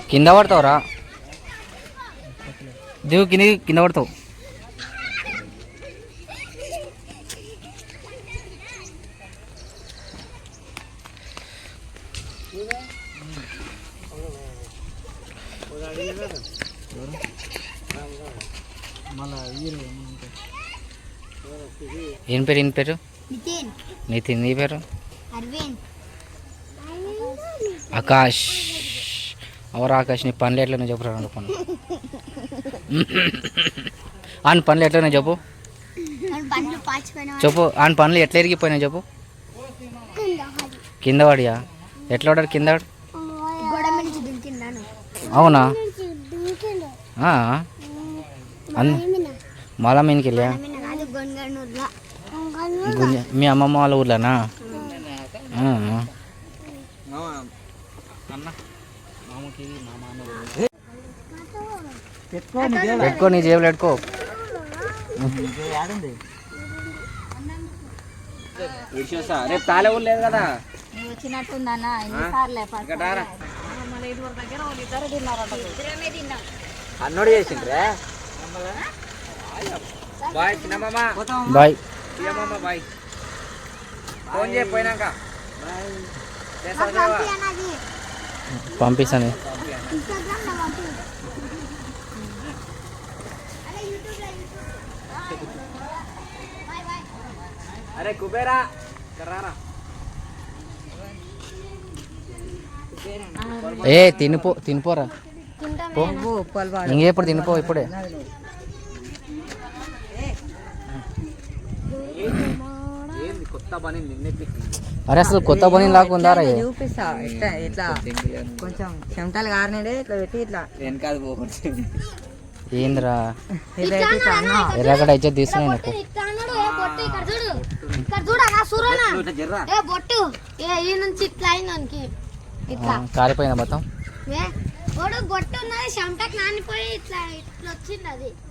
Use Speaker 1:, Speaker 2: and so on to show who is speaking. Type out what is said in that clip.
Speaker 1: కింద పడతావురా, దిగు కింద పడతావు. ఏం పేరు? నితిన్. నీ పేరు? ఆకాష్. అవరు ఆకాష్, నీ పనులు ఎట్లనే చెప్పురా. అనుకున్నా ఆన్ పనులు ఎట్లనే చెప్పు. ఆన్ పనులు ఎట్లా ఎరిగిపోయినా చెప్పు. కింద పడియా? ఎట్లా పడాడు కింద? అవునా? మళ్ళా మీనికి వెళ్ళా? మీ అమ్మమ్మ వాళ్ళ ఊర్లోనా? పెట్టుకో, నీ జేబులు పెట్టుకో. రేపు తాలే ఊరు లేదు కదా
Speaker 2: వచ్చినట్టుందన్నా.
Speaker 1: అన్నోడు చేసిండ్రే. బాయ్ చిన్నమ్మ. Bye bye. ఫోన్ చేయకపోయినాక పంపిస్తాను. అరే కుబేరా రారా. ఏ తినిపోరా. ఇంకెప్పుడు తినిపో ఇప్పుడే. అరే అసలు కొత్త పని లాగా ఉందారా?
Speaker 2: చూపిస్తా ఇట్లా కొంచెం చెమటలు కారినాడే ఇట్లా పెట్టి ఇట్లా
Speaker 1: వెనకాల పోతుంది. ఏంద్రా ఎర్రగడ్డ అయితే తీసుకున్నాను. కారిపోయిందా మొత్తం?
Speaker 3: బొట్టు ఉన్నది చెమటకు నానిపోయి ఇట్లా ఇట్లా వచ్చింది. అది